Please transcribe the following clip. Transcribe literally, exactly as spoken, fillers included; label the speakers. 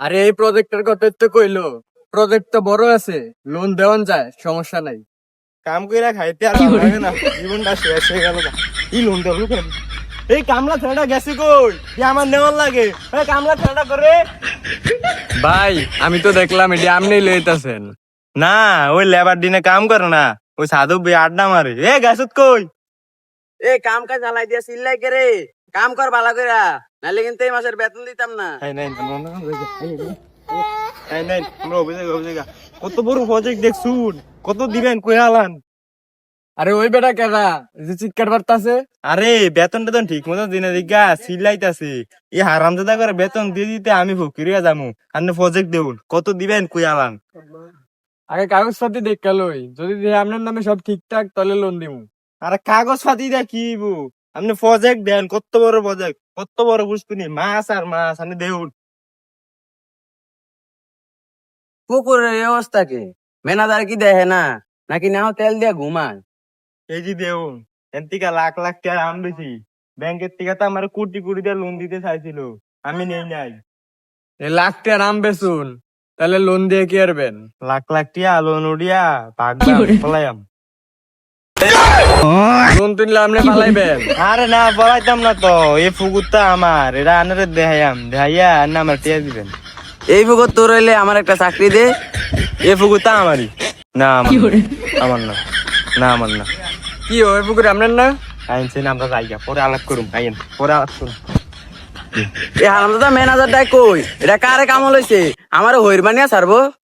Speaker 1: আরে এই প্রজেক্টের কথা তো কইলো, প্রজেক্ট তো বড় আছে, লোন দেওয়ান যায়, সমস্যা নাই।
Speaker 2: কাম কইরা খাইতে আর ভালো লাগে না, জীবনটা শেষ হয়ে গেল। ই লোন দেব কেন? এই কামলা ছেলেটা গেছে কই? কি আমার নেওয়ার লাগে? এই কামলা ছেলেটা করে।
Speaker 1: ভাই আমি তো দেখলাম এটি আপনি লইতাছেন।
Speaker 2: না, ওই লেবার দিনে কাম করে না, ওই সাধু বে আড্ডা মারে। এ গেছত কই?
Speaker 3: এ কাম কাজ চালাই দিয়া চিল্লাই কে রে, কাম কর ভালো কইরা, নাহলে কিন্তু এই মাসের বেতন দিতাম না।
Speaker 2: এই নাই এই নাই আমরা অভিযোগ অভিযোগ কত বড় প্রজেক্ট দেখছুন, কত দিবেন কই আলান?
Speaker 1: আরে ওই বেটা কেডা যে চিৎকার বার্তাছে?
Speaker 2: আরে বেতন টেতন ঠিক মতো দিনে দিগা সিলাইতাছি। এই হারামজাদা করে বেতন দিয়ে দিতে আমি ফকিরিয়া যামু। আপনি প্রজেক্ট দেউন, কত দিবেন কই আলান?
Speaker 1: আগে কাগজ পাতি দেখা লই, যদি দেখি আপনার নামে সব ঠিকঠাক তাহলে লোন দিমু।
Speaker 2: আরে কাগজ পাতি দা কি বু, আপনি প্রজেক্ট দেন, কত বড় প্রজেক্ট, কত বড় বুঝতুনি, মাছ আর মাছ আপনি দেউন।
Speaker 3: পুকুরের এই অবস্থা কি, ম্যানেজার কি দেখে না নাকি নাও তেল দিয়া ঘুমায়?
Speaker 2: এই যে দেউন, এর থেকে লাখ লাখ টাকা আম বেশি, ব্যাংকের থেকে তো আমার কোটি কোটি দিয়ে লোন দিতে চাইছিল, আমি নেই নাই।
Speaker 1: এই লাখ টাকা নাম বেচুন, তাহলে লোন দিয়ে কি আরবেন?
Speaker 2: লাখ লাখ টিয়া লোন উড়িয়া ভাগলাম পলাইয়াম।
Speaker 1: লোন তুললে আপনি পালাইবেন?
Speaker 2: আরে না পলাইতাম না তো, এই পুকুরটা আমার, এটা আনারে দেখাইয়াম, দেখাইয়া না আমার টিয়া দিবেন।
Speaker 3: এই পুকুর তোর হইলে আমার একটা চাকরি দে।
Speaker 2: এই পুকুরটা আমারই না, আমার আমার না, না আমার না।
Speaker 1: কি ওই পুকুরে আপনার না?
Speaker 2: আইনছেন আমরা জায়গা পরে আলাপ করুম, আইন পরে আলাপ করুম।
Speaker 3: এই হারামজাদা ম্যানেজারটা কই, এটা কারে কাম লইছে, আমারে হইর বানিয়া ছাড়বো।